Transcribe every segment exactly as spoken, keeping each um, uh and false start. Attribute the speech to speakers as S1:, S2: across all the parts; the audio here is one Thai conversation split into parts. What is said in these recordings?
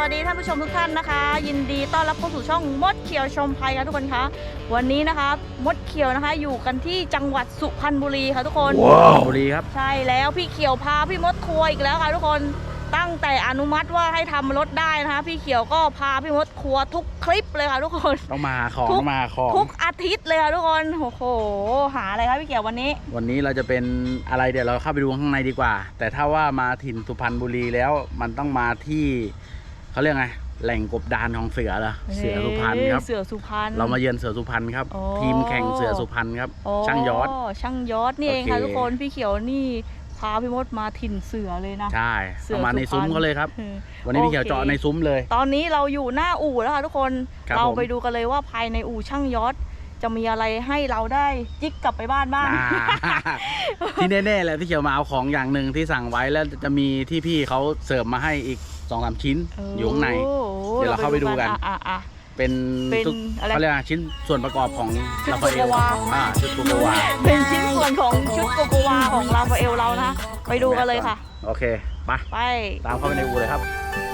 S1: วัสดีท่านผู้ชมทุกท่านนะคะยินดีต้อนรับเข้าสู่ช่องมดเขียวชมภัยค่ะทุกคนคะวันนี้นะคะมดเขียวนะคะอยู่กันที่จังหวัดสุพรรณบุรีค่ะทุกคน
S2: ว้าวบุรีครับ
S1: ใช่แล้วพี่เขียวพาพี่มดทัวร์อีกแล้วค่ะทุกคนตั้งแต่อนุมัติว่าให้ทำรถได้นะคะพี่เขียวก็พาพี่มดทัวร์ทุกคลิปเลยค่ะทุกคน
S2: ต้องมาของต้องมาของ
S1: ทุกอาทิตย์เลยค่ะทุกคนโอ้โหหาอะไรครับพี่เขียววันนี้
S2: วันนี้เราจะเป็นอะไรเดี๋ยวเราเข้าไปดูข้างในดีกว่าแต่ถ้าว่ามาถิ่นสุพรรณบุรีแล้วมันต้องมาที่เขาเรียกไงแหล่งกบดานของเสือเหรอเสือสุพรรณครับ
S1: เสือสุพรรณ
S2: เรามาเยือนเสือสุพรรณครับทีมแข่งเสือสุพรรณครับช่างยอด
S1: ช่างยอดนี่เองค่ะทุกคนพี่เขียวนี่พาพี่มดมาถิ่นเสือเลยนะ
S2: ใช่เอามาในซุ้มเขาเลยครับวันนี้พี่เขียวเจาะในซุ้มเลย
S1: ตอนนี้เราอยู่หน้าอู่แล้วค่ะทุกคนเราไปดูกันเลยว่าภายในอู่ช่างยอดจะมีอะไรให้เราได้จิกกลับไปบ้านบ้าง
S2: ที่แน่ๆเลยพี่เขียวมาเอาของอย่างหนึ่งที่สั่งไว้แล้วจะมีที่พี่เขาเสิร์ฟมาให้อีกสองสามชิ้นอยู่ข้างในเดี๋ยวเราเข้าไปดูกันเป็นเขาเรียกชิ้นส่วนประกอบของลาฟาเอลอ่าชุดโกโกวา
S1: เป็นชิ้นส่วนของชุดโกโกวาของลาฟาเอลเรานะไปดูกันเลยค่ะ
S2: โอเคไป
S1: ไป
S2: ตามเข้าไปในอู่เลยครับ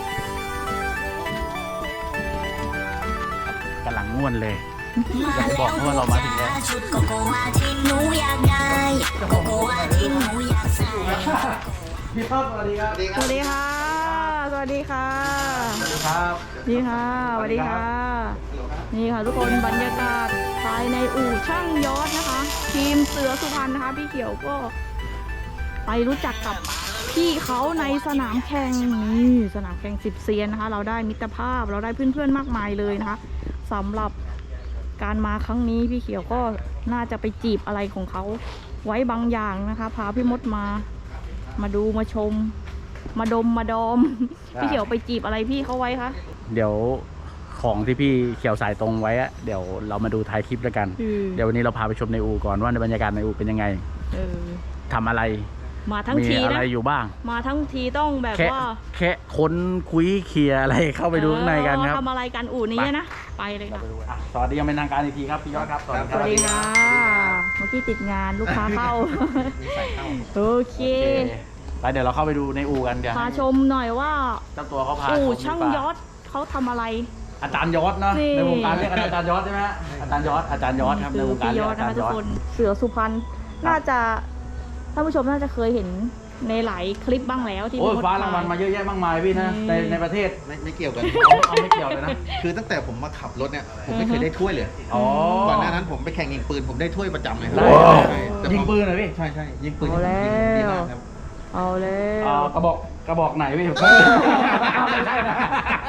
S2: กำลังง่วนเลยอยากบอกว่าเรามาถึงแล้วชุดโกโกวาที่หนูอยากได้โกโกวาที่หนูอยากใส่พี่ป๊อปสวัสดีครับ
S1: สวัสดีค่ะสวัสดีค่ะ
S2: สวัสดีครับ
S1: นี่ค่ะสวัสดีค่ะนี่ค่ะทุกคนบรรยากาศภายในอู่ช่างยอดนะคะทีมเสือสุพรรณนะคะพี่เขียวก็ไปรู้จักกับพี่เขาในสนามแข่งนี่สนามแข่งสิบเซียนนะคะเราได้มิตรภาพเราได้เพื่อนๆมากมายเลยนะคะสำหรับการมาครั้งนี้พี่เขียวก็น่าจะไปจีบอะไรของเขาไว้บางอย่างนะคะพาพี่มดมามาดูมาชมมาดมมาดอมพี่เขียวไปจีบอะไรพี่เขาไว้คะ
S2: เดี๋ยวของที่พี่เขียวสายตรงไว้อะเดี๋ยวเรามาดูท้ายคลิปแล้วกันเดี๋ยววันนี้เราพาไปชมในอู่ก่อนว่าในบรรยากาศในอู่เป็นยังไงทำอะไร
S1: มาทั้งทีนะ
S2: มีอะไรอยู่บ้าง
S1: มาทั้งทีต้องแบบว่า
S2: แค่ค้นคุยเคลียอะไรเข้าไปดูข้างในกันครับ
S1: ทำอะไรกันอู่นี้นะไปเลยค่ะ
S2: สวัสดียังเป็นทางการอีกทีครับพี่ยอดครับ
S1: สวัสดีค่ะเมื่อกี้ติดงานลูกค้าเข้าโอเค
S2: ไปเดี๋ยวเราเข้าไปดูในอู่กันเดี๋ยว
S1: พาชมหน่อยว่า
S2: เจ้าตัวเขาพา
S1: อู่ช่างยอดเขาทำอะไร
S2: อาจารย์ยอดเนาะในวงการเรียกอาจารย์ยอดใช่ไหมอาจารย์ยอดอาจารย์ยอดครับในวงการเรียกอาจารย์ยอด
S1: เสือสุพรรณน่าจะท่านผู้ชมน่าจะเคยเห็นในหลายคลิปบ้างแล้วที่
S2: โอ้ยฟ้ารางวัลมาเยอะแยะมากมายพี่นะในในประเทศ
S3: ไม่ไม่เกี่ยวกัน
S2: เอาไม่เกี่ยวเลยนะ
S3: คือตั้งแต่ผมมาขับรถเนี่ยผมไม่เคยได้ถ้วยเลยก่อนหน้านั้นผมไปแข่งยิงปืนผมได้ถ้วยประจำเลย
S2: ยิงปืนเหรอพี่
S3: ใช่ใช่ยิงปืน
S1: ดีมากครับเอาเลย
S2: กระบอกกระบอกไหนพี่ไม่ใช่นะ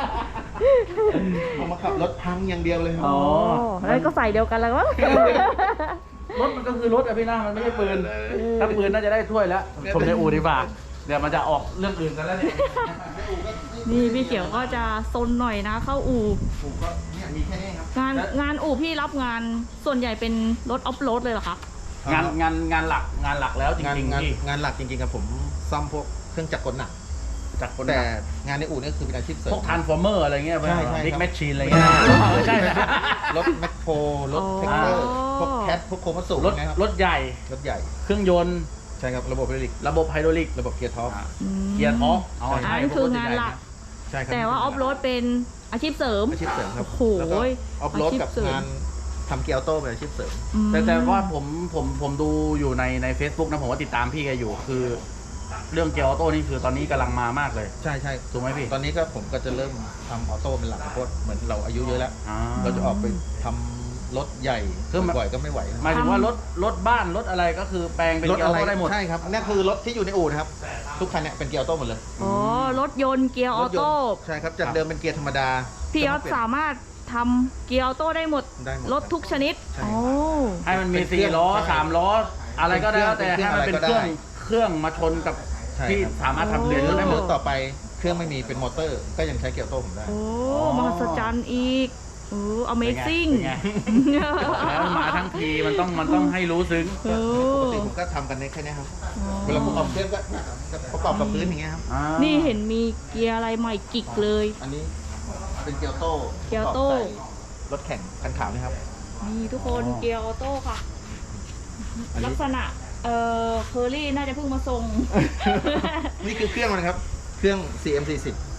S3: ผมมาขับรถพังอย่างเดียวเลย
S1: อ๋อแล้วก็ใส่เดียวกันแล้วมั้ง
S2: รถมันก็คือรถอะพี่นะมันไม่ใช่ปืนถ้าปืนน่าจะได้ถ้วยแล้วชมในอู่ดีกว่าเดี๋ยวมันจะออกเรื่องอื่นกันแล้วเนี่ย
S1: นี่พี่เขียวก็จะซนหน่อยนะเข้าอู่งานงานอู่พี่รับงานส่วนใหญ่เป็นรถออฟโรดเลยเหรอคะ
S2: งานงานงานหลักงานหลักแล้วจริงๆ
S3: ที่งานหลักจริงๆกับผมซ่อมพวกเครื่องจักรกลหนัก
S2: จักรกล
S3: แต่งานในอู่นี่คือเป็นอาชีพเสริม
S2: พวกทรานส์ฟอร์เมอร์อะไรเงี้ยใช่ใช่บิ๊กแมชชีนอะไรเงี้ยใช่
S3: รถแมคโครรถแท็กเตอร์พวกแคทพวกโคมัสสุ
S2: รถรถใหญ่
S3: รถใหญ่
S2: เครื่องยนต์
S3: ใช่ครับระบบไฮดรอลิก
S2: ระบบไฮดรอลิก
S3: ระบบเกียร์ท็อป
S2: เกียร์ท็อป
S1: อ๋อใช่คืองานหลัก
S3: ใช่ครับ
S1: แต่ว่าออฟโรดเป็นอาชีพเสริม
S3: อาชีพเสริมครับ
S1: โอ้โห
S3: ออฟโรดกับงานทำเกียร์ออโต้เป็นอาชีพเสริม
S2: แต่แต่ว่าผมผมผมดูอยู่ในใน Facebook นะผมว่าติดตามพี่แกอยู่คือเรื่องเกียร์ออโต้นี่คือตอนนี้กำลังมามากเลย
S3: ใช่ใช่
S2: ถูกไหมพี่
S3: ตอนนี้ก็ผมก็จะเริ่มทำออโต้เป็นหลักเพราะเหมือนเราอายุเยอะแล้วเราจะออกไปทำรถใหญ่เครื่องบ่อยก็ไม่ไหว
S2: หมายถึงว่ารถรถบ้านรถอะไรก็คือแปลงเป็นเกียร์ออโต้ได้หมด
S3: ใช่ครับนี่คือรถที่อยู่ในอู่นะครับทุกคันเนี่ยเป็นเกียร์ออโต้หมดเลย
S1: อ๋อรถยนต์เกียร์ออโต้
S3: ใช่ครับจากเดิมเป็นเกียร์ธรรมดา
S1: พี่ยอดสามารถทำเกียร์ออโต้ได้หมดรถทุกชนิดโอ้
S2: ให้มันมีสี่ล้อสามล้ออะไรก็ได้แต่ให้มันเป็นเครื่องเครื่องมาชนกับที่สามารถทำเรียนรู้ได้หมด
S3: ต่อไปเครื่องไม่มีเป็นมอเตอร์ก็ยังใช้เกียร์ออโต้ผมได้
S1: โอ้มหัศจรรย์อีกโอ้ Amazing
S2: แล้วมาทั้งทีมันต้องมันต้องให้รู้ซึ้ง
S3: ปกติผมก็ทำกันในแค่นี้ครับเวลาประกอบเครื่องก็ประกอบกับพื้นอย่างเงี้ยครับ
S1: นี่เห็นมีเกียร์อะไรใหม่กิกเลย
S3: อันนี้เป็นเกียร์ออโต้
S1: เกียร์ออโต้
S3: รถแข่งคันขาวนี่ครับ
S1: นี่ทุกคนเกียร์ออโต้ค่ะลักษณะเอ่อเคอรี่น่าจะเพิ่งมาส่ง
S3: นี่คือเครื่องมันครับเครื่อง ซี เอ็ม สี่สิบ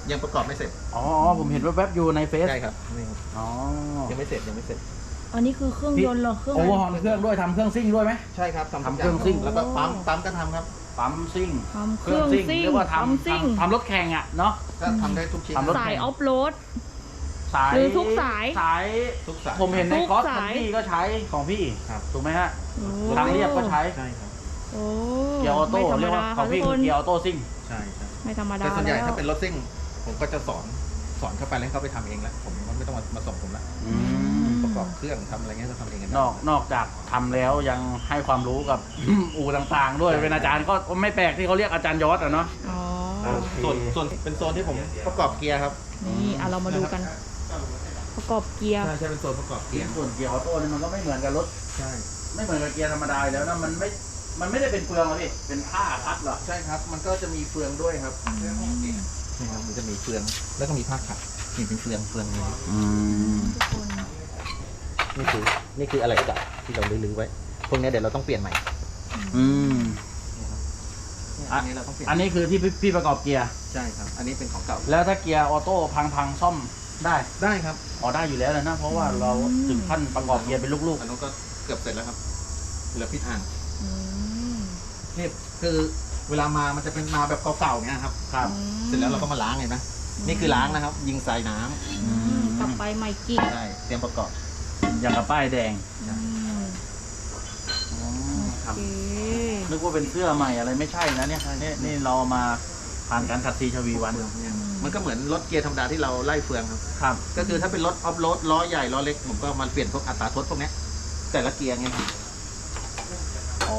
S3: ยังประกอบไม่เสร็จ
S2: อ๋อผมเห็นแวบๆอยู่ในเฟซ
S3: ใช่ครับนี่ครับ
S2: อ๋อ
S3: ยังไม่เสร็จยังไม่เสร็จ
S1: อันนี้คือเครื่องยนต์เหรอเครื่อง
S2: โอเวอร์ฮอลเครื่องด้วยทำเครื่องซิ่งด้วยไหม
S3: ใช่ครับ
S2: ทำเครื่องซิ่ง
S3: แล้วก็ปั๊มปั๊มก็ทำครับ
S2: ปั๊มซิ่ง
S1: ทำเครื่องซิ่ง
S2: เรียกว่า
S1: ปั๊ม
S2: ทำ
S1: ซิ่ง
S2: ทำทำรถแข่งอ่ะเนาะ
S3: ก็ทำได้ทุกชิ้น
S2: ทำรถ
S1: สายออฟโรด
S2: สาย
S1: หรือทุกสาย
S2: สาย
S3: ทุกสาย
S2: ผมเห็นใน
S1: ทุก
S2: คอร์ส
S1: สาย
S2: คันที่ก็ใช้ของพี่
S3: ครับ
S2: ถูกไหมฮะ
S1: โอ้
S2: ทางเรียบก็ใช้
S3: ใช่ครับ
S1: โอ้
S2: เกียร์ออโต้
S1: ไม่ธรรม
S2: เรียกว่า
S1: ดา
S2: ของ
S1: ค่ะทุ
S2: พี่
S1: กค
S2: คือน เกียร์ออโต้ซิ่ง
S3: ใช่ใช่
S1: ไม่ธรรมดา
S3: แต่ส่วนใหญ่
S1: แล้ว
S3: ถ้าเป็นรถซิ่งผมก็จะสอนสอนเข้าไปแล้วให้เขาไปทำเองแล้วผมก็ไม่ต้องมามาส่งผมละ
S2: อืม
S3: ประกอบเครื่องทำอะไรเงี้ยก็ทำเองกัน
S2: นอกนอกจากทำแล้วยังให้ความรู้กับ อู่ต่างๆ ด้วยเป็นอาจารย์ก็ไม่แปลกที่เขาเรียกอาจารย์ยศอะเนาะ
S1: อ๋อ
S3: ส่วนส่วนเป็นโซนที่ผมประกอบเกียร์ครับ
S1: นี่อ่ะเรามาดูกัน ประกอบเกียร์
S3: ใช่ใช่เป็นโซนประกอบเกียร์
S2: ส่วนเกียร์ออโต้นี่มันก็ไม่เหมือนกับรถ
S3: ใช่
S2: ไม่เหมือนกับเกียร์ธรรมดาอยู่แล้วนะมันไม่มันไม่ได้เป็นเฟืองหรอกพี่เป็นผ้าคัดเหรอ
S3: ใช่ครับ มันก็จะมีเฟืองด้วยครับนี่ครับมันจะมีเฟืองแล้วก็มีผ้าขัดนี่เป็นเฟืองเฟืองนี้
S2: อืม
S1: ทุกคน
S3: นี่คือนี่คืออะไรก็ได้ที่เราลื้อๆไว้พวกนี้เดี๋ยวเราต้องเปลี่ยนใหม่
S2: อืม
S3: อันนี้เราต้องเปลี่ยน
S2: อันนี้คือที่พี่พี่ประกอบเกียร์
S3: ใช่ครับ อันนี้เป็นของเก่า
S2: แล้วถ้าเกียร์ออโต้พังๆซ่อมได้
S3: ได้ครับ
S2: อ๋อได้อยู่แล้วเลยนะเพราะว่าเราถึงขั้นประกอบเกียร์เป็นลูก
S3: อันนู้นก็เกือบเสร็จแล้วครับเหลือพิษอ่าง
S1: อืม
S3: นี่คือเวลามามันจะเป็นมาแบบเก่าๆเนี้ยครับ
S2: ๆครับ
S3: เสร็จแล้วเราก็มาล้างเห็นไหมนี่คือล้างนะครับ ยิงใส่น้ำ
S1: อืมกลับไปใหม่กิ๊ก
S3: ใช่เตรียมประกอบ
S2: อย่างกับป้ายแดง
S1: อืม
S2: อ๋อค
S1: โอ
S2: รับ
S1: เค
S2: นึกว่าเป็นเสื้อใหม่อะไรไม่ใช่นะเนี่ยนี่นี่เรามาผ่านการขัดซีชวีวัน
S3: มันก็เหมือนรถเกียร์ธรรมดาที่เราไล่เฟืองครับ
S2: ครับ
S3: ก็คือถ้าเป็นรถออฟโรดล้อใหญ่ล้อเล็กผมก็มาเปลี่ยนพวกอัตราทดพวกเนี้ยแต่ละเกียร์ไงครับ
S2: อ๋อ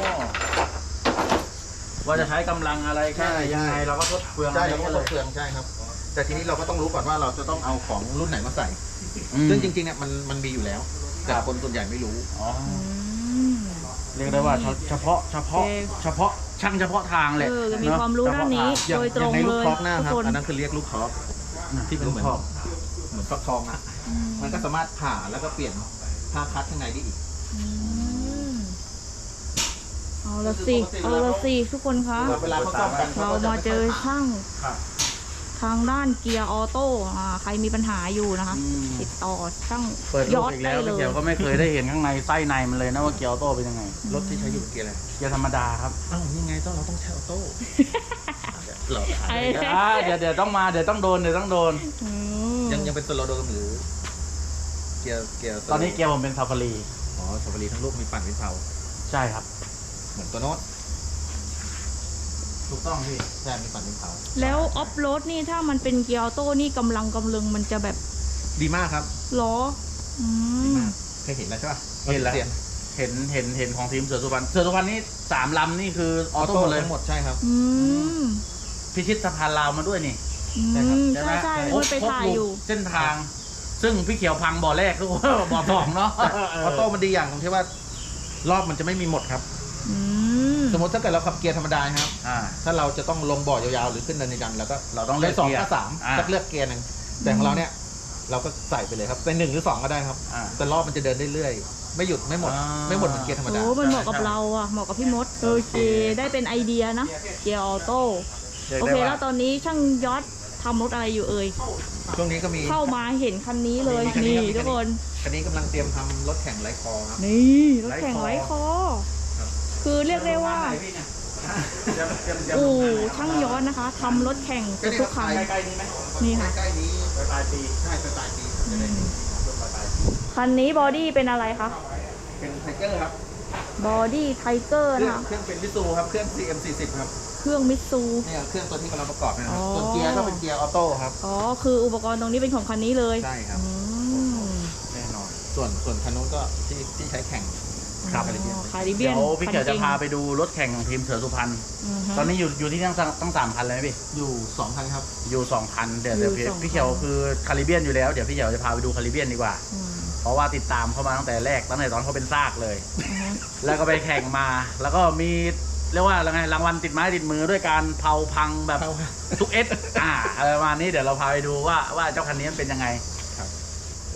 S2: ว่าจะใช้กำลังอะไรแค่ไหนยังไงเราก็ทดเฟือง
S3: ใช่
S2: อะไร
S3: เราก็
S2: ก็
S3: ท
S2: เล
S3: ด
S2: ย
S3: เฟืองใช่ครับ แต่ทีนี้เราก็ต้องรู้ก่อนว่าเราจะต้องเอาของรุ่นไหนมาใส่
S2: อืม
S3: ซึ่งจริงๆเนี่ยมันมันมีอยู่แล้ว แต่คนส่วนใหญ่ไม่รู้
S2: อ๋อ
S1: อืม
S2: เรียกได้ว่าเฉเฉพาะเฉพาะ
S1: โอเค
S2: เฉพาะช่างเฉพาะทางเลย
S1: เออมี
S2: เอะ
S1: ความรู้ด้านนี้
S2: เฉพะทง
S1: โดยตรง
S3: ในลูก
S1: เลย
S3: ครอกหน้าครับ
S1: ทุกคน
S3: อันนั้นคือเรียกลูกครอกที่เป็นเหมือน
S2: ลูกครอก
S3: เหมือนฟักทองอ่ะ
S1: อืม
S3: มันก็สามารถผ่าแล้วก็เปลี่ยนผ้าคัดข้างในได้อีก
S1: อืมเอาละสิเอาละสิทุกคนคะ
S3: เวลาเขาซ่อมกัน
S1: เรามาเจอช่าง
S2: ครับ
S1: ทางด้านเกียร์ออโต้อ่าใครมีปัญหาอยู่นะคะ
S2: อืม
S1: ติดต่อช่าง
S2: เปิด
S1: ย
S2: รู
S1: อ
S2: ป
S1: ด
S2: อีก
S1: ได้
S2: แล้ว
S1: เล
S2: พี่
S1: ย
S2: เขียวก็ไม่เคยได้เห็นข้างในไส้ในมันเลยนะว่าเกียร์ออโต้เป็นยังไง
S3: รถที่ใช้อยู่เกียร์อะไร
S2: เกียร์ธรรมดาครับ
S3: อ้าวยังไงต้องเราต้องใช้ออโต้เหรอ
S1: ไอ้
S2: อ่าเดี๋ยวเดี๋ยวต้องมาเดี๋ยวต้องโดนเดี๋ยวต้องโดน
S1: อืม
S3: ยังยังเป็นสโลโดมหรือเกียร์เกียร์
S2: ตอนนี้เกียร์ผมเป็นซาฟารี
S3: อ๋อสปารีทั้งลูกมีปั่นเป็นเผา
S2: ใช่ครับ
S3: เหมือนตัวโน้ต
S2: ถูกต้องพี่
S3: ใช่มีปั่นเป็นเผา
S1: แล้วออฟโรดนี่ถ้ามันเป็นเกียร์ออโต้นี่กำลังกำลังมันจะแบบ
S3: ดีมากครับ
S1: ล้ออื
S3: ดี
S1: ม
S3: มากเคยเห็นแล้วใช่ป่ะ
S2: เห็นแล้ว
S3: สียง
S2: เห็นเห็นเห็นของทีมเสือสุพรรณเสือสุพรรณนี่สามลำนี่คืออ
S3: อ
S2: อ
S3: อ
S2: โต้
S3: โต้
S2: หมดเลย
S3: ทั้งหมดใช่ครับ
S1: อืม
S2: พิชิตสะพานลาวมาด้วยนี่
S1: อื
S3: ใช่ครับ
S1: ม
S2: ใช่ไหม
S1: ใช่ใช่
S2: ครบ
S1: มันไปถ่าย
S2: ครบ
S1: อยู่
S2: เส้นทาง ซึ่งพี่เขียวพังบ่อแรกทุกคน บ่อสองเนาะ
S3: แต่ออโต้มันดีอย่างตรงที่ว่ารอบมันจะไม่มีหมดครับ
S1: อืม
S3: สมมติถ้าเกิดเราขับเกียร์ธรรมดาครับ
S2: อ่า
S3: ถ้าเราจะต้องลงบ่อยาวๆหรือขึ้นเนินยันแล้วก็
S2: เราต้องเลือก
S3: สอง
S2: เกียร์
S3: ก็สาม
S2: อ่า
S3: ก็เลือกเกียร์หนึ่งแต่ของเราเนี่ยเราก็ใส่ไปเลยครับเป็นหนึ่งหรือสองก็ได้ครับ
S2: อ่า
S3: แต่รอบมันจะเดินเรื่อยๆไม่หยุดไม่หมด
S2: อ่า
S3: ไม่หมดเหมือนเกียร์ธรรมดา
S1: โอ้มันเหมาะกับเราอ่ะเหมาะกับพี่มดโอเคได้เป็นไอเดียนะเกียร์ออโต้
S2: รียก
S1: โอ
S2: ได้
S1: เค
S2: ว่า
S1: แล้วตอนนี้ช่างยอดทำรถอะไรอยู่เอ่ย
S3: ช่วงนี้ก็มี
S1: เข้ามาเห็นคันนี้เลย
S3: มีคันนี้
S1: นี่
S3: ครับ
S1: ทุกคน
S3: คันนี้กำลังเตรียมทำรถแข่งไร้คอครับ
S1: นี่รถแข่ง
S2: ไร้
S1: ไร้
S2: ค
S1: ค
S2: อ
S1: อ
S3: ครับ
S1: คือเรียกได้ว่า
S2: ไหนพี่เนี่ยเตรียมเตรียมเตรียม
S1: อู่ช่างยอดนะคะทำรถแข่งเกือบทุกคัน
S2: ใกล้ๆนี้ไหม
S1: นี่ค่ะ
S3: ใกล้ๆนี้
S2: ปลายปี
S3: ใช่ปลายปี
S1: อื
S3: จะได้
S1: ม
S3: รถปลายปี
S1: คันนี้บอดี้เป็นอะไรคะ
S3: เป็นไทเกอร์ครับ
S1: บอดี้ไทเกอร์
S3: เครื่อง
S1: นะคะ
S3: เครื่องเป็นมิซูครับเครื่อง ซี เอ็ม สี่สิบครับ
S1: เครื่องมิตซู
S3: เนี่ยเครื่องตัวที่กำลังประกอบนะครับ
S1: อ๋อ
S3: ส่วนเกียร์ก็เป็นเกียร์ออโต้ครับ
S1: อ๋อคืออุปกรณ์ตรงนี้เป็นของคันนี้เลย
S3: ใช่ครับ
S1: อืม
S2: แน่นอน
S3: ส่วนส่วนคันนู้นก็ที่ที่ใช้แข่ง
S2: ครับ
S1: อ๋อคาริเบี
S2: เดี๋
S1: ย
S2: ย
S1: น
S2: วพี่เขียวจะพา
S1: คั
S2: ไปดูรถแข่งของทีมเสือสุพรรณ
S1: อือฮะ
S2: ตอนนี้อยู่อยู่ที่ตั้งตั้งสามคันเลยไหมพี่
S3: อยู่สองคันครับ
S2: อยู่สองคันเดี๋ยวเดี๋ยว
S1: อยู่
S2: พี่
S1: สองคัน
S2: พี่เขียวคือคาริเบียนอยู่แล้วเดี๋ยวพี่เขียวจะพาไปดูคาริเบียนดีกว่า
S1: อืม
S2: เพราะว่าติดตามเขามาตั้งแต่แรกตั้งแต่ตอนเขาเป็นซากเลย
S1: อือฮะ
S2: แล้วก็ไปแข่งมา แล้วก็มีเรียกว่าอะไรไงรางวัลติดไม้ติดมือด้วยการเผาพังแบบ
S3: เผา
S2: ทุกเอสอ่าอะไรประมาณนี้เดี๋ยวเราพาไปดูว่าว่าเจ้าคันนี้มันเป็นยังไง
S3: ครับ
S2: โอ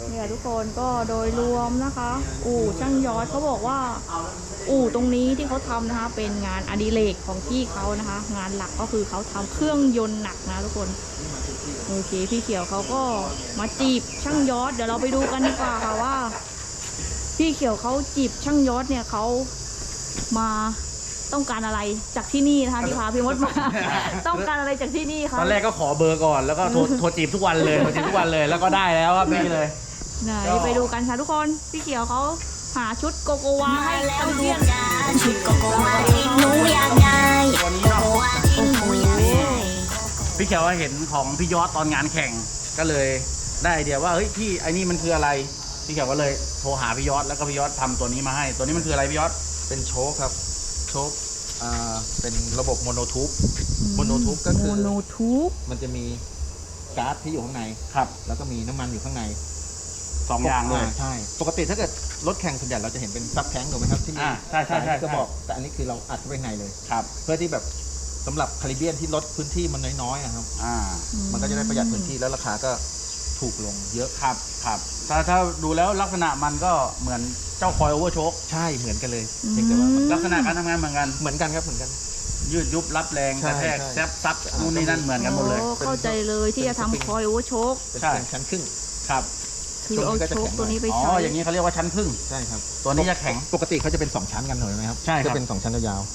S1: เนี่ยทุกคนก็โดยรวมนะคะ อู่ช่างยอดเขาบอกว่า อู่ตรงนี้ที่เขาทำนะคะ เป็นงานอดิเรกของพี่เขานะคะ งานหลักก็คือเขาทำเครื่องยนต์หนักนะทุกคนโอเคพี่เขียวเขาก็มาจีบช่างยอดเดี๋ยวเราไปดูกันดีกว่าค่ะว่า พี่เขียวเขาจีบช่างยอดเนี่ยเขามาต้องการอะไรจากที่นี่นะคะที่พาพี่มดมา ต้องการอะไรจากที่นี่คะ
S2: ตอนแรกก็ขอเบอร์ก่อนแล้วก็โทรโทรจีบทุกวันเลยโทรจีบทุกวันเลยแล้วก็ได้แล้วครับนี่เลย
S1: ไหนไปดูกันค่ะทุกคนพี่เขียวเขาหาชุดโกโกวาให้แล้วเรียน
S4: ชุดโกโกวาที่หนูอยากได้
S2: ตัวนี้
S4: โก
S2: เนาะ
S4: โกวาที่หนูอยากได้
S2: พี่เขียวเห็นของพี่ยอดตอนงานแข่งก็เลยได้ไอเดียว่าเฮ้ยพี่ไอ้นี่มันคืออะไรพี่เขียวก็เลยโทรหาพี่ยอดแล้วก็พี่ยอดทำตัวนี้มาให้ ตัวนี้มันคืออะไรพี่ยอด
S3: เป็นโชคครับโชคอ่าเป็นระบบโมโนทูบโมโนทูบก็คือ
S1: โมโนทูบ
S3: มันจะมีก๊าซที่อยู่ข้างใน
S2: ครับ
S3: แล้วก็มีน้ำมันอยู่ข้างใน
S2: สองอย่างเลย
S3: ใช่ปกติถ้าเกิดรถแข่งส่วนใหญ่เราจะเห็นเป็นซับแท้งถูกไหมครับที่มี
S2: อ่าใช่ใช่ใช่
S3: สายกระบอกแต่อันนี้คือเราอัดเข้าไปในเลย
S2: ครับ
S3: เพื่อที่แบบสำหรับคาริเบียนที่ลดพื้นที่มันน้อยๆนะครับ
S2: อ่า
S3: มันก็จะได้ประหยัดพื้นที่แล้วราคาก็ถูกลงเยอะ
S2: ครับครับถ้าถ้าดูแล้วลักษณะมันก็เหมือนเจ้าคอยโอเวอร์โชค
S3: ใช่เหมือนกันเลยเพียงแต่ว่ามัน
S2: ลักษณะการทำงานเหมือนกัน
S3: เหมือนกันครับเหมือนกัน
S2: ยืดยุบรับแรง
S3: ใช่
S2: กระแทก
S3: ใช่
S2: แซบซับนู่นนี่นั่นเหมือนกันหมดเลย
S1: โอ้เข้าใจเลยที่จะทำคอยโอเวอร์โชค
S3: เป็น
S2: ใช่
S3: เป็นชั้นครึ่ง
S2: ครับ
S1: คือเอาโชคตัวนี้ไป
S2: อ๋อ
S1: ใช้
S2: อย่างนี้เขาเรียกว่าชั้นพึ่ง
S3: ใช่ครับ
S2: ตัวนี้จะแข็ง
S3: ปกติเขาจะเป็นสองชั้นกันถูกไหมครับ
S2: ใช่ครับ
S3: จะเป็นสองชั้นยาว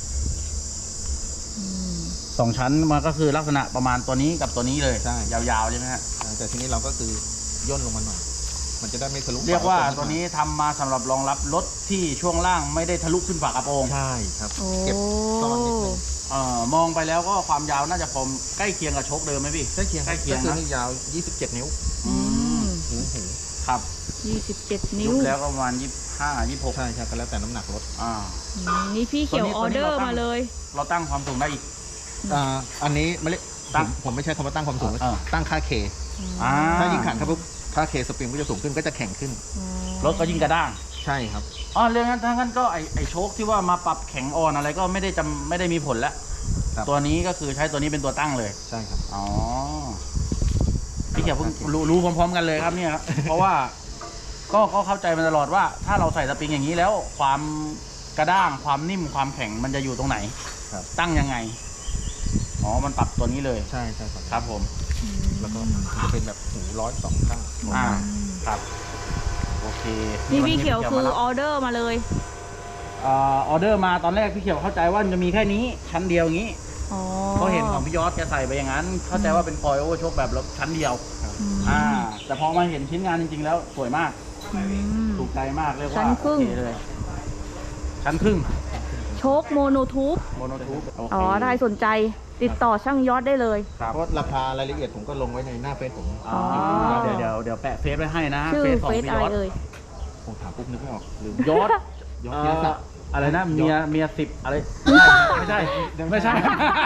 S1: อืม
S2: สองชั้นมันก็คือลักษณะประมาณตัวนี้กับตัวนี้เลย
S3: ใช่
S2: ยาวๆใช่ไหมฮะ
S3: ๆอ่าแต่ทีนี้เราก็คือย่นลงมาหน่อย มันจะได้ไม่ทะลุ
S2: เรียกว่า
S3: ฝกระโปรง
S2: ตัวนี้ทำมาสำหรับรองรับรถที่ช่วงล่างไม่ได้ทะลุขึ้นฝากระโปรง
S3: ใช่ครับ
S1: โอ้
S3: เก็บซ่อนนิดนึง
S2: เอ่อมองไปแล้วก็ความยาวน่าจะพอมใกล้เคียงกับโชคเดิมไหมพี่
S3: ใกล้เคียง
S2: ใกล้เคียง
S3: ก็คือ
S2: นะ
S3: นี่ยาว ยี่สิบเจ็ด นิ้ว
S1: อืม
S3: หูหู
S2: ครับ
S1: ยี่สิบเจ็ดนิ้
S2: ยุ
S1: ว
S2: บแล้วก็ประมาณยี่สิบห้ายี่สิบหก
S3: ใช่ใช่ก็แล้วแต่น้ำหนักรถ
S2: อ่า
S1: อืมนี่พี่เขียว
S2: ตัวนี้
S1: ออเดอ
S2: ตัวนี้
S1: ร์
S2: เราตั้ง
S1: มาเลย
S2: เราตั้งความสูงได้อีก
S3: อ่าอันนี้ไม่เรียก
S2: ตั้ง
S3: ผมผมไม่ใช่คำว่าตั้งความสูง
S2: เออ
S3: ตั้งค่าเค
S2: อ่า
S3: ถ้ายิ่งขันครับปุ๊บค่าเคสปริงก็จะสูงขึ้นก็จะแข็งขึ้น
S1: อ๋อ
S2: รถก็ยิ่งกระด้าง
S3: ใช่ครับ
S2: อ๋อเรื่องนั้นถ้างั้นก็ไอไอโชคที่ว่ามาปรับแข็งอ่อนอะไรก็ไม่ได้จำไม่ได้มีผลแล้ว
S3: ครับ
S2: ตัวนี้ก็คือใช้ตัวนี้เป็นตัวตั้งเลย
S3: ใช่ครับ
S2: อ๋อพี่เขียวเพิ่งรู้รู้พร้อมๆกันเลยครับเนี่ยครับ เพราะว่าก็ก็เข้าใจมาตลอดว่า ถ้าเราใส่สปริงอย่างนี้แล้ว ความกระด้างความนิ่มความแข็งมันจะอยู่ตรงไหน
S3: ครับ
S2: ตั้งยังไงอ๋อมันปรับตัวนี้เลย
S3: ใช่ใช่ครับ
S2: ครับผม
S1: อืม
S3: แล้วก็มันจะเป็นแบบหูร้อยสองข้าง
S2: อ่าครับโอเค
S1: นี่พี่เขียวคือ
S2: รับ
S1: ออเดอร์มาเลย
S2: เอ่อออเดอร์มาตอนแรกพี่เขียวเข้าใจว่ามันจะมีแค่นี้ชั้นเดียวอย่างนี้
S1: อ๋อ
S2: ก็เห็นของพี่ยอดแกใส่ไปอย่างนั้น เข้าใจว่าเป็นคอยโอเวอร์โชคแบบรถชั้นเดียว
S1: อืม
S2: อ่า แต่พอมาเห็นชิ้นงานจริงๆ แล้วสวยมาก
S1: อืม
S2: ถูกใจมากเรียก
S1: ชั้
S2: ว่าน
S1: ครึ่ง
S2: โอเคเลย ชั้นครึ่ง
S1: โชคโมโนทูบ
S2: โมโนทูบ
S1: อ๋อได้สนใจติดต่อช่างยอดได้เลย
S2: ครับ
S3: เพราะราคารายละเอียดผมก็ลงไว้ในหน้าเฟซผม
S2: อ๋อเดี๋ยวเดี๋ยวเดี๋ยวแปะเฟซไว้ให้นะ
S1: ชื่อ
S2: เฟซของ
S1: เฟซ
S2: พี่
S1: อะ
S2: ย
S1: ไร
S2: อด
S1: เอ่ย
S3: ผมถามปุ๊บนึกไม่ออกลืม
S2: ยอด
S3: ยอด
S2: เอ่
S3: ธีร
S2: อ
S3: ศักดิ์
S2: อะไรนะเมียเมียสิบอะไร ไม่ใช่ ไม่ใช่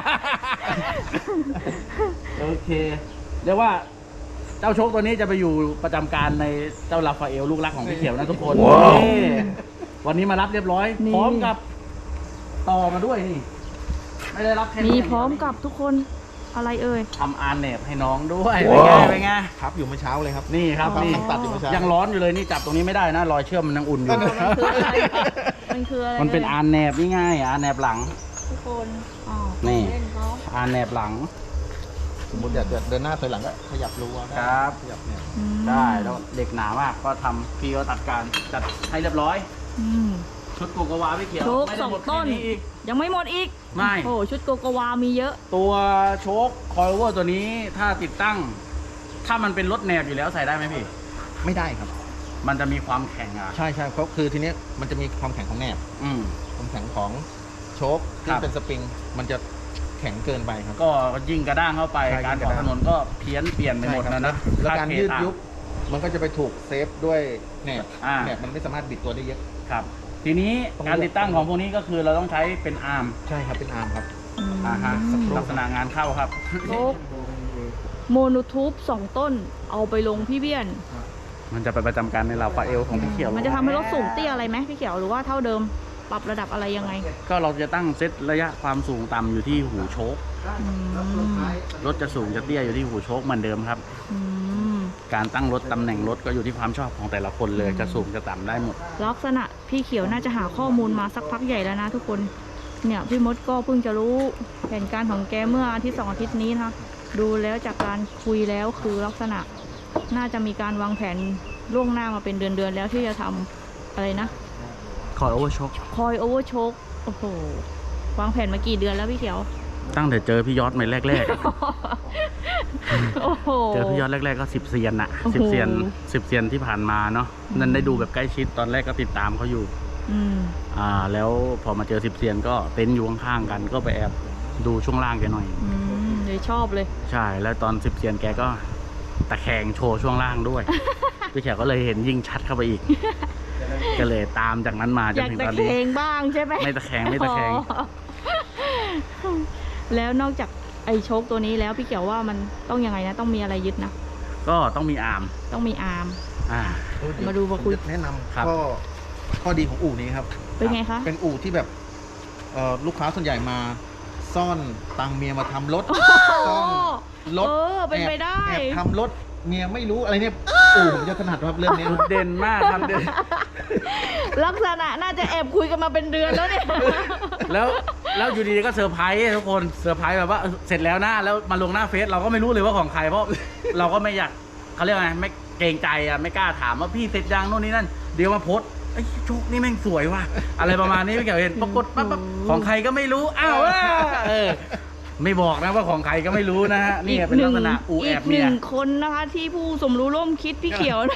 S2: โอเค เรียกว่าเจ้าโชคตัวนี้จะไปอยู่ประจำการในเจ้าลาฟาเอลลูกรักของพี่เขียวนะทุกคนนี่วันนี้มารับเรียบร้อย
S1: นี่
S2: พร้อมกับต่อมาด้วยนี่ ไม่ได้รับแค่นี้
S1: มีพร้อมกับทุกคนอะไรเอ่ย
S2: ทำอาร์เนบให้น้องด้วยเป็นไงเป็นไง
S3: ครับอยู่เมื่อเช้าเลยครับ
S2: นี่ครับ
S1: อ๋อ
S2: นี่
S3: ตัดอยู่เมื่อเช้า
S2: ยังร้อนอยู่เลยนี่จับตรงนี้ไม่ได้นะรอยเชื่อมมันยังอุ่นอยู่
S1: มันคืออะไรมันคืออะไร
S2: มันเป็น
S1: อ่ย
S2: อาร์เนบนี่ง่ายอาร์เนบหลัง
S1: ทุกคนอ๋อ
S2: นี่
S1: เล่นเขา
S2: อาร์เนบหลัง
S3: สมมติอยากจะเดินหน้าถอยหลังก็ขยับรั้วได้
S2: ครับ
S3: ขยับเนี่ย
S1: อืม
S2: ได้แล้วเด็กหนามากก็ทำพี่ก็ตัดการจัดให้เรียบร้อย
S1: อืม
S2: ชุดโกโกวาพี่เขียว
S1: โชค
S2: ไม่
S1: ส
S2: ได้
S1: อง
S2: หมด
S1: ต้น
S2: แค่อีก
S1: ยังไม่หมดอีก
S2: ไม่
S1: โอ้ชุดโกโกวามีเยอะ
S2: ตัวโชคคอยโอเวอร์ตัวนี้ถ้าติดตั้ง ถ้ามันเป็นรถแนบอยู่แล้วใส่ได้ไหมพี่
S3: ไม่ได้ครับ
S2: มันจะมีความแข็งอ่ะ
S3: ใช่ใช่เพราะคือทีเนี้ยมันจะมีความแข็งของแหนบ
S2: อืม
S3: ความแข็งของโชค
S2: ค
S3: ที่
S2: รับ
S3: เป็นสปริง มันจะแข็งเกินไปครับ
S2: ก็ยิ่งกระด้างเข้าไป
S3: ใช่
S2: การ
S3: ยิ่
S2: อง อก
S3: ระด้าง
S2: ถนนก็เพี้ยนเปลี่ยนไปหมด
S3: ใช่ค
S2: นะ
S3: บ
S2: นะ
S3: แล้วการ
S2: ค่
S3: ยืด
S2: ต่าง
S3: ยุบมันก็จะไปถูกเซฟด้วยแหนบ
S2: อ่า
S3: แหนบมันไม่สามารถบิดตัวได้เยอะ
S2: ครับ ทีนี้
S3: ต้อง
S2: การติดตั้งของพวกนี้ก็คือเราต้องใช้เป็นอาร์ม
S3: ใช่ครับเป็นอาร์มครับ
S1: อืม
S2: อ่าฮะลักษณะงานเข้าครับ
S1: โชคโมโนทูบสองต้น เอาไปลงพี่เบี้ยน
S2: มันจะไปประจำการในลาฟาเอลของพี่เขียว
S1: มันจะทำให้รถสูงเตี้ยอะไรไหมพี่เขียวหรือว่าเท่าเดิมปรับระดับอะไรยังไง
S2: ก็เราจะตั้งเซตระยะความสูงต่ำอยู่ที่หูโชค
S1: อืม
S2: รถจะสูงจะเตี้ยอยู่ที่หูโชคเหมือนเดิมครับ
S1: อืม
S2: การตั้งรถตำแหน่งรถก็อยู่ที่ความชอบของแต่ละคนเลย จะสูงจะต่ำได้หมด
S1: ลักษณะพี่เขียวน่าจะหาข้อมูลมาสักพักใหญ่แล้วนะทุกคนเนี่ยพี่มดก็เพิ่งจะรู้แผนการของแกเมื่ออาทิตย์สองอาทิตย์นี้นะคะดูแล้วจากการคุยแล้วคือลักษณะน่าจะมีการวางแผนล่วงหน้ามาเป็นเดือนๆแล้วที่จะทำอะไรนะ
S2: คอยโอเวอร์ช็อค
S1: คอยโอเวอร์โชคโอ้โหวางแผนมากี่เดือนแล้วพี่เขียว
S2: ตั้งแต่เจอพี่ยอดใหม่แรก
S1: โอ้โห
S2: ๆ เจอพี่ยอดแรกๆก็สิบเซียนอะ
S1: โอ้โห
S2: สิบเซียนสิบเซียนที่ผ่านมาเนาะนั่นได้ดูแบบใกล้ชิดตอนแรกก็ติดตามเขาอยู่
S1: อืม
S2: อ่าแล้วพอมาเจอสิบเซียนก็เต็นท์อยู่ข้างๆกันก็ไปแอบดูช่วงล่างแกหน่อย
S1: อืมเลยชอบเลย
S2: ใช่แล้วตอนสิบเซียนแกก็ตะแคงโชว์ช่วงล่างด้วย พี่แขกก็เลยเห็นยิ่งชัดเข้าไปอีก ก็เลยตามจากนั้นมาจ
S1: อน ยาก
S2: ถึง
S1: ตะ
S2: ตอน
S1: แค
S2: นี้
S1: งบ้างใช่ไหม
S2: ไม่ตะแคงไม่ตะแคง
S1: อ๋อแล้วนอกจากไอ้โชคตัวนี้แล้วพี่เขียวว่ามันต้องยังไงนะต้องมีอะไรยึดนะ
S2: ก็ต้องมีอาร์ม
S1: ต้องมีอาร์ม
S2: อ่า
S1: มาดูมาคุย
S3: แนะนำ
S2: ครับ
S3: ข้อข้อดีของอู่นี้ครับ
S1: เป็นไงคะ
S3: เป็นอู่ที่แบบเอ่อลูกค้าส่วนใหญ่มาซ่อนตังเมียมาทำรถซ่อนรถ
S1: เออเป็นไปได้
S3: แอบแอบทำรถเมียไม่รู้อะไรเนี่ยอู่ผมจะถนัดครับเรื่องนี้
S2: จุดเด่นมากทำเด่น
S1: ลักษณะน่าจะแอบคุยกันมาเป็นเดือนแล้วเนี่ย
S2: แล้วแล้วอยู่ดีๆก็เซอร์ไพรส์ทุกคนเซอร์ไพรส์แบบว่าเออเสร็จแล้วนะแล้วมาลงหน้าเฟซเราก็ไม่รู้เลยว่าของใครเพราะ เราก็ไม่อยากเขาเรียกว่าไงไม่เกรงใจอ่ะไม่กล้าถามว่าพี่เสร็จยังโน่นนี่นั่นเดี๋ยวมาโพสต์ไอ้ยโชคนี่แม่งสวยว่ะอะไรประมาณนี้ไม่เกี่ยวเห็นปรากฏปั๊บปั๊บของใครก็ไม่รู้อ้าวเออเออไม่บอกนะว่าของใครก็ไม่รู้นะฮะนี่เป็นลักษณะอูแอบเมีย
S1: กหนึ่งคนนะคะที่ผู้สมรู้ร่วมคิดพี่เขียวนะ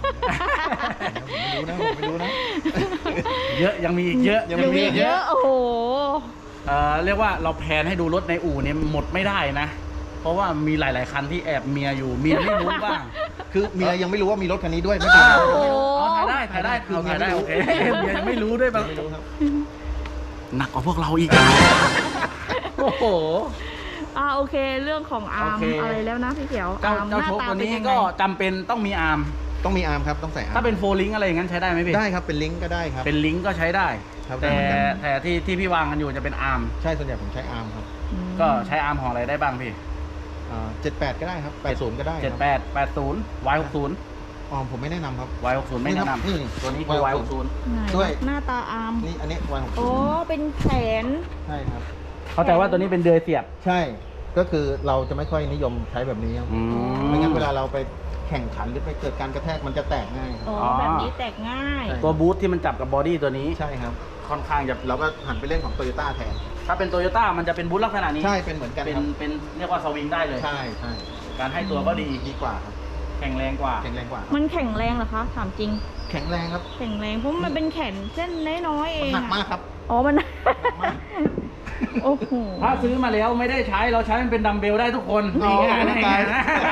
S3: ผมไม่รู้นะผมไม่รู้นะ
S2: เยอะยังมีอีกเยอะ
S3: ยัง
S1: ยังมี
S3: มี
S1: เยอะโอ้โห
S2: เอ่อเรียกว่าเราแพนให้ดูรถในอู่เนี่ยหมดไม่ได้นะ เพราะว่ามีหลาย ๆ คันที่แอบเมียอยู่เมียไม่รู้บ้าง
S3: คือเมียยังไม่รู้ว่ามีรถคันนี้ด้วยไม่เป็นไร
S1: โอ้โห
S2: อ๋อถ่ายได้ถ่ายได้คือถ่ายได้โอเคเมียยังไม่รู้ด้วยบาง
S3: ไม่รู้ครับ
S2: หนักกว่าพวกเราอีกโอ้โห
S1: อ่าโอเคเรื่องของอาร์ม
S2: โอเค
S1: อะไรแล้วนะพี่เขียว
S2: เจ้า
S1: อาร์มห
S2: เจ้า
S1: น้า
S2: โชค
S1: ตา
S2: ตัว
S1: เป็น
S2: นี้
S1: ยังไง
S2: ก็จำเป็นต้องมีอาร์ม
S3: ต้องมีอาร์มครับต้องใส่อาร์ม
S2: ถ้าเป็นโฟลิงอะไรอย่างนั้นใช้ได้ไหมพี่
S3: ได้ครับเป็นลิงก์ก็ได้ครับ
S2: เป็นลิงก์ก็ใช้ได้
S3: ครับ
S2: แต่
S3: ได้เหมือนกัน
S2: แต่ที่ที่พี่วางกันอยู่จะเป็นอาร์ม
S3: ใช่ส่วนใหญ่ผมใช้อาร์มครับ
S1: อืม
S2: ก็ใช้อาร์มของอะไรได้บ้างพี่
S3: เจ็ดแปดก็ได้ครับแปดศูนย์ก็ได้
S2: เจ็ดแปดแปดศูนย์ วาย หกศูนย์
S3: อ๋อผมไม่แนะนำครับ
S2: วาย หกศูนย์ไม่แนะน
S3: นี่
S2: ำตัวนี้คือ วาย หกศูนย์
S1: ไหน
S3: ด้วย
S1: หน้าตาอาร์ม
S3: นี่อันนี้วายหก
S1: โอ้
S3: ศูนย์
S1: เป็นแขน
S3: ใช่ครับ
S2: เข้าใจว่าตัวนี้เป็นเดือยเสียบ
S3: ใช่ก็คือเราจะไม่ค่อยนิยมใช้แบบนี้ครับ
S2: อืม
S3: ไม่งั้นเวลาเราไปแข่งขันหรือไปเกิดการกระแทกมันจะแตกง่ายครับ
S1: อ๋อ
S2: อ๋อ
S1: แบบนี้แตกง่าย
S3: ใช่
S2: ตัวบูทที่มันจับกับบอดี้ตัวนี้
S3: ใช่ครับ
S2: ค่อนข้างจะ
S3: เราก็หันไปเล่นของโตโยต้าแทน
S2: ถ้าเป็นโตโยต้ามันจะเป็นบูทลักษณะนี้
S3: ใช่เป็นเหมือนกัน
S2: เป็น
S3: ครับ
S2: เป็นเรียกว่าสวิงได้เลย
S3: ใช่ใช่
S2: การให้ตัวก็ดี
S3: ดีกว่าครับ
S2: แข็งแรงกว่า
S3: แข็งแรงกว่า
S1: มันแข็งแรงเหรอคะถามจริง
S3: แข็งแรงครับ
S1: แข็งแรงเพราะมันเป็นแขนเส้นน้อยๆเอ
S3: มัน
S1: ง
S3: หนัก
S1: อะ
S3: มากครับ
S1: อ๋อมัน
S3: มาก
S1: โอ้โห
S2: ถ้าซื้อมาแล้วไม่ได้ใช้เราใช้มันเป็นดัมเบลได้ทุกคน
S3: อ๋อ
S2: นี่ไงนี่ไง
S3: ตาย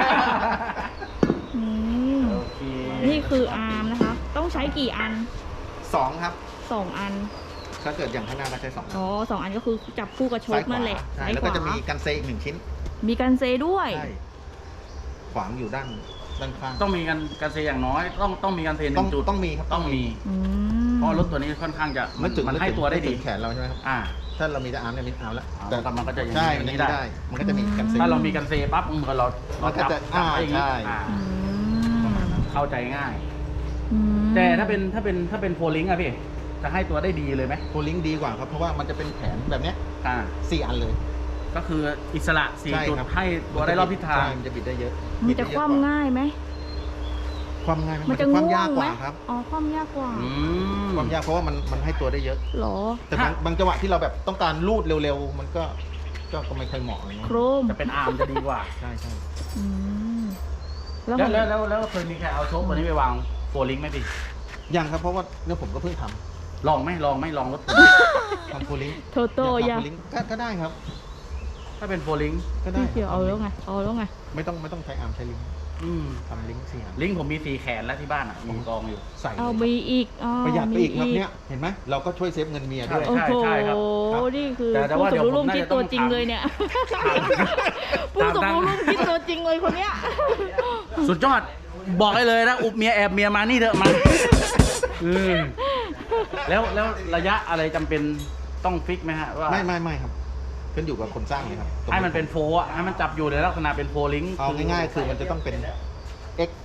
S1: อืม
S2: โอเค
S1: นี่คืออาร์มนะคะ ต้องใช้กี่อัน
S3: สองครับ
S1: สองอัน
S3: ถ้าเกิดอย่างข้างหน้าก็ใช้สอง
S1: อ๋อสองอันก็คือจับคู่กับโช
S3: ซ้าย
S1: ค
S3: ขวา
S1: นั่นแหละ
S3: ใช่
S1: ซ้าย
S3: แล้ว
S1: ข
S3: ก็
S1: วา
S3: จะมีกันเซอีกหนึ่งชิ้น
S1: มีกันเซด้วย
S3: ใช่ขวางอยู่ด้านด้านข้าง
S2: ต้องมีกันกันเซอย่างน้อยต้องต้องมีกันเซห
S3: ต้อ
S2: นึ่
S3: ง
S2: งจุด
S3: ต้องมีครับ
S2: ต้องมี
S1: อืม
S2: เพราะรถตัวนี้ค่อนข้างจะมัน
S3: นึกถึง
S2: มัน
S3: ก
S2: ให้
S3: ถึง
S2: ตัวได้
S3: นึก
S2: ดี
S3: ถึงแขนเราใช่ไหมครับ
S2: อ่า
S3: ถ้าเรามีแต่อาร์มเนี่ยมีอาร์มแล้ว
S2: อ๋อแต่มันก็จะอย่างนี้
S3: ใช่
S2: อย่างนี้
S3: มันจะ
S2: ได้
S3: ได้ มันก็จะมีกันเซ
S2: ถ้าเรามีกันเซปั๊บมันก็เรา
S3: มั
S2: เรา
S3: นก็
S2: จับ
S3: จะ
S2: จับไว้อย่างนี้
S3: อ่าใช่
S2: อ่า
S1: อืม
S2: เข้าใจง่าย
S1: อืม
S2: แต่ถ้าเป็นถ้าเป็นถ้าเป็นโฟลิงอะพี่จะให้ตัวได้ดีเลยไหม
S3: โพลิงดีกว่าครับ เพราะว่ามันจะเป็นแผนแบบเนี้ย
S2: อ่า
S3: สี่อันเลย
S2: ก็คืออิสระสี่
S3: ใช่
S2: จุด
S3: ครับ
S2: ให้ตัวได้รอบทิศทาง
S3: ใช่มันจะบิดได้เยอะ
S1: มันจะ
S3: บิด
S1: ค
S3: ได้เยอะ
S1: ว่ำง่ายไหม
S3: ความง่ายไห
S1: มันจะ
S3: ความ
S1: ง่วย
S3: าก
S1: ง
S3: ก
S1: ไหม
S3: ว่าครับ
S1: อ๋อคว่ำยากกว่า
S2: อืม
S3: ความยากเพราะว่ามันมันให้ตัวได้เยอะ
S1: เหรอ
S3: แต่บางบางจังหวะที่เราแบบต้องการลูดเร็วๆ มันก็ก็ก็ไม่ค่อยเหมาะอะไร
S1: โค
S3: เงี้ย
S1: รม
S2: จะเป็นอาร์มจะดีกว่า
S3: ใช่ใช่
S1: อืมแล้ว
S2: แล้ว
S1: มัน
S2: แล้วแล้วแล้วเคยมีใครเอาโชคตัวนี้ไปวางโฟลิงไหมพี่
S3: ยังครับเพราะว่าเนี่ยผมก็เพิ่งท
S2: ลองไหมลองไหมลองรถผม
S3: ำทำโพลิง
S1: โทโต้
S3: อยาก
S1: ยา
S3: ทำโพลิงก็ก็ได้ครับ
S2: ถ้าเป็นโฟลิง
S3: ก็ได้
S1: พี่เขียวเอาแล้วไงเอาแล้วไง
S3: ไม่ต้องไม่ต้องใช้อาร์มใช้ลิงก์
S2: อืม
S3: ทำลิงก์สี่อัน
S2: ลิงก์ผมมีสี่แขนแล้วที่บ้านอ่ะผมกองอยู่
S3: ใส่
S1: เอา
S3: เลย
S1: มีอีกอ๋อ
S3: ประหยัดไปอีกครับ
S1: มี
S3: เนี่ยเห็นไหมเราก็ช่วยเซฟเงินเมียด้วย
S1: โอ้โห
S2: ใช่ครับ
S1: นี่คือ
S2: แต่แต่
S1: ผู้
S2: ว่า
S1: ส
S2: เดี๋
S1: ม
S2: ยว
S1: รู้ร่วม
S2: ผมน่า
S1: คิด
S2: จะ
S1: ตัว
S2: ต้อง
S1: จริง
S2: ถาม
S1: เลยเนี่ย ผู้สมรู้ร่วมคิดตัวจริงเลยคนเนี้ย
S2: สุดยอดบอกได้เลยนะอุบเมียแอบเมียมานี่เถอะมาอืมแล้วแล้วระยะอะไรจำเป็นต้องฟิกไหมฮะว่า
S3: ไม่ไม่ไม่ครับขึ้นอยู่กับคนสร้างเลยครับ
S2: ให้มันเป็นโฟอ่ะให้มันจับอยู่ในลักษณะเป็นโฟลิงก์
S3: เอาง่ายๆคือมันจะต้องเป็น x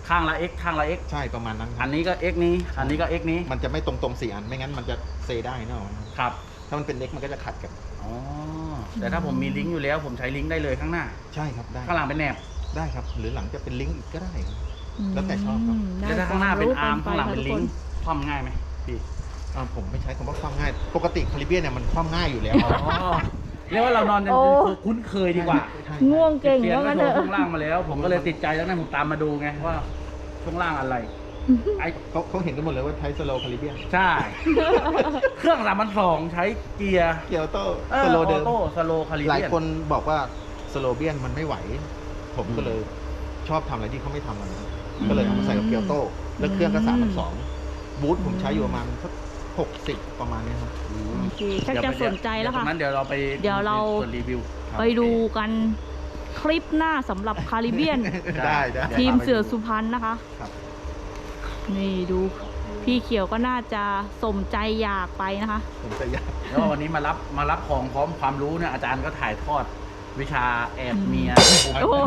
S2: ข้างละ X ข้างละ X
S3: ใช่ประมาณนั้นค
S2: อั
S3: รับ
S2: นนี้ก็ X นี้อันนี้ก็ X นี้
S3: มันจะไม่ตรงตรงๆสี่อันไม่งั้นมันจะเซได้เนอะ
S2: ครับ
S3: ถ้ามันเป็นเล็กมันก็จะขัดกัน
S2: อ๋อแต่ถ้าผมมีลิงก์อยู่แล้วผมใช้ลิงก์ได้เลยข้างหน้า
S3: ใช่ครับได้
S2: ข้างหลังเป็นแหนบ
S3: ได้ครับ หรือหลังจะเป็นลิงก์อีกก็ได้ครับ แล้วแต่ชอบครับ
S1: ได้
S2: แล้วถ้าข้างหน้าเป็นอาร์ม
S1: คว
S2: ข้างหลังเป็นลิง
S1: รู้
S2: ก์คว่ำง่ายไหมพี่
S3: อ่าผมไม่ใช้คำว่าคว่ำง่าย ปกติคาริเบียนเนี่ยมันคว่ำง่ายอยู่แล้ว
S2: อ๋อเรียกว่าเรานอนจนคุ้นเคยดีกว่า
S3: ใช่
S1: ง่วงเก่ง
S2: เสียง
S1: ว่า
S2: ก็
S1: งั้น
S2: โช
S1: เถ
S2: ว์
S1: อะ
S2: ช่วงล่างมาแล้ว ผมก็เลยติดใจแล้วนั่นผมตามมาดูไงว่าช่วงล่างอะไรไอ
S3: เขาเขาเห็นกันหมดเลยว่าใช้สโลคาริเบียน
S2: ใช่ เครื่องสามพันสองใช้เกียร์
S3: เกียร์ออโต้
S2: เออ
S3: สโล
S2: อ
S3: เดิ
S2: อ
S3: ม
S2: โต้สโลคาลิ
S3: หลาย
S2: เบียน
S3: คนบอกว่าสโลเบียนมันไม่ไหว ผมก็เลยชอบทำอะไรที่เขาไม่ทำกันนะครับก็เลยเอามาใส่กับเกียร์ออโต้แล้วเครื่องก็สามพันสองบูทผมใช้อยู่ประมาณสักหกสิบประมาณเนี้ยครับ
S1: โอเคชักจะสนใจแล้วค่ะ
S2: เดี๋ยตรงนั้นเดี๋ยวเราไป
S1: เดี๋ยวเรา
S2: ส่วนรีวิว
S1: ไปดูกันคลิปหน้าสำหรับคาริเบียน
S3: ได้ได้
S1: ทีมเสือสุพรรณนะคะ
S3: ครับ
S1: นี่ดูพี่เขียวก็น่าจะสมใจอยากไปนะคะ
S3: ผมจะอยาก
S2: แล้ววันนี้มารับมารับของพร้อมความรู้เนี่ยอาจารย์ก็ถ่ายทอดวิชาแอบเมีย
S1: โอ้โห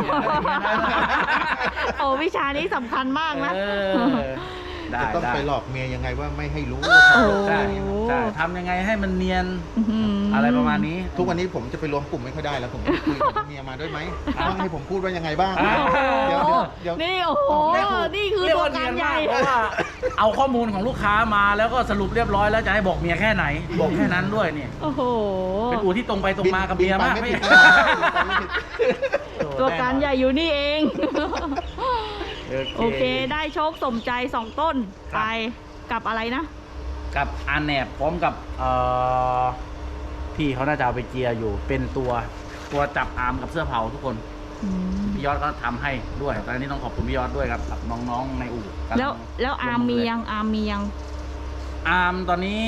S1: โอ้วิชานี้สำคัญมากนะ
S2: เออได้
S3: จะต้อง
S2: ได้
S3: ไปหลอกเมียยังไงว่าไม่ให้รู้ว่าทำรถ
S2: ใช่
S1: โอ้
S2: ใช่ทำยังไงให้มันเนียน
S1: อื้อหื
S2: อะไรประมาณนี้
S3: ทุกวันนี้ผมจะไปรวมกลุ่มไม่ค่อยได้แล้วผมต้องคุยกับเมียมาด้วยไหมต้องให้ผมพูดว่ายังไงบ้าง
S2: อ่า
S3: เดี๋ยวเดี๋ยวเดี๋ยว
S1: นี่โอ้โห นี่คือ
S2: เรีย
S1: ตัว
S2: ว่
S1: การ
S2: เนียน
S1: ใหญ่
S2: มากเพราะว่าเอาข้อมูลของลูกค้ามาแล้วก็สรุปเรียบร้อยแล้วจะให้บอกเมียแค่ไหน บอกแค่นั้นด้วยนี่
S1: โอ้โห
S2: เป็นอู่ที่ตรงไปตรงมากับเมียมาก
S3: บินไป
S2: ไม่
S3: ไม่ผิด
S1: ตัวการใหญ่อยู่นี่เอง โอ
S2: โอ
S1: เค
S2: เค
S1: ได้โชคสมใจสองต้น
S2: ครับ
S1: ไปกับอะไรนะ
S2: กับอาแหนบพร้อมกับเอ่อพี่เขาน่าจะเอาไปเจียร์อยู่เป็นตัวตัวจับอาร์มกับเสื้อเผาทุกคนพี่ยอดก็ทำให้ด้วยตอนนี้ต้องขอบคุณพี่ยอดด้วยครับกับน้องๆในอู่กำง
S1: แล้วแล้วอาร์มมี
S2: ล
S1: ยังอาร์มมียัง
S2: อาร์มตอนนี้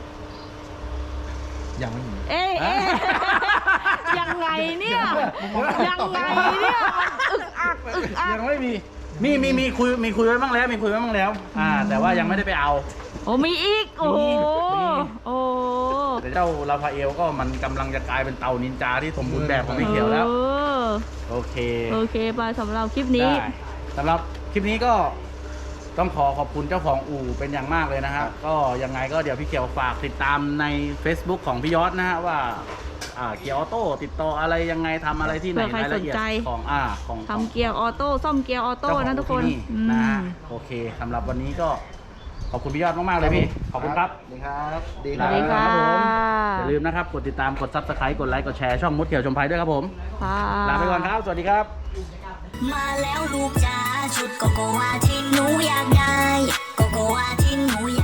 S3: ยังไม่มี
S1: เอ๊ะเอ๊ะยังไงเนี่ย ยังไงเนี่ยมันอึกอักอึกอัก
S2: ยังไม่มีมีมีมีคุยมีคุยไว้บ้างแล้วมีคุยไว้บ้างแล้ว อ่า แต่ว่ายังไม่ได้ไปเอา
S1: โอ้มีอีก โอ้โห
S2: มี
S1: โอ้
S2: แต่เจ้าลาฟาเอลก็มันกำลังจะกลายเป็นเต่านินจาที่สมบูรณ์แบบของพี่เขียวแล้ว
S1: ออ
S2: โอเค
S1: โอเคไปสำหรับคลิปนี้
S2: ได้สำหรับคลิปนี้ก็ต้องขอขอบคุณเจ้าของอู่เป็นอย่างมากเลยนะครับก็ยังไงก็เดี๋ยวพี่เขียวฝากติดตามใน Facebook ของพี่ยอดนะฮะว่าอ่าเกียร์ออโต้ติดต่ออะไรยังไงทำอะไรที่ไหน
S1: เผื่อใคร
S2: รายละเอียด
S1: สนใจ
S2: ของอ่าของของ
S1: ทำเกียร์ออโต้ซ่อมเกียร์ออโต้
S2: เจ้าของ
S1: นะทุกคน
S2: ที่
S1: อื
S2: นะ
S1: ม
S2: ฮะโอเคสำหรับวันนี้ก็ขอบคุณพี่ยอดมากๆเลยพี่ขอบคุณครับ
S3: ดีครับดี
S1: สวัสดีค่ะ
S2: อย่าลืมนะครับกดติดตามกด ซับสไครบ์ กดไลค์กดแชร์ช่องมดเขียวชมภัยด้วยครับผม
S1: ค่ะ
S2: ลาไปก่อนครับสวัสดีครับ
S4: มาแล้วลูกจ๋าชุดโกโกวาที่หนูอยากได้โกโกวาที่หนูอยาก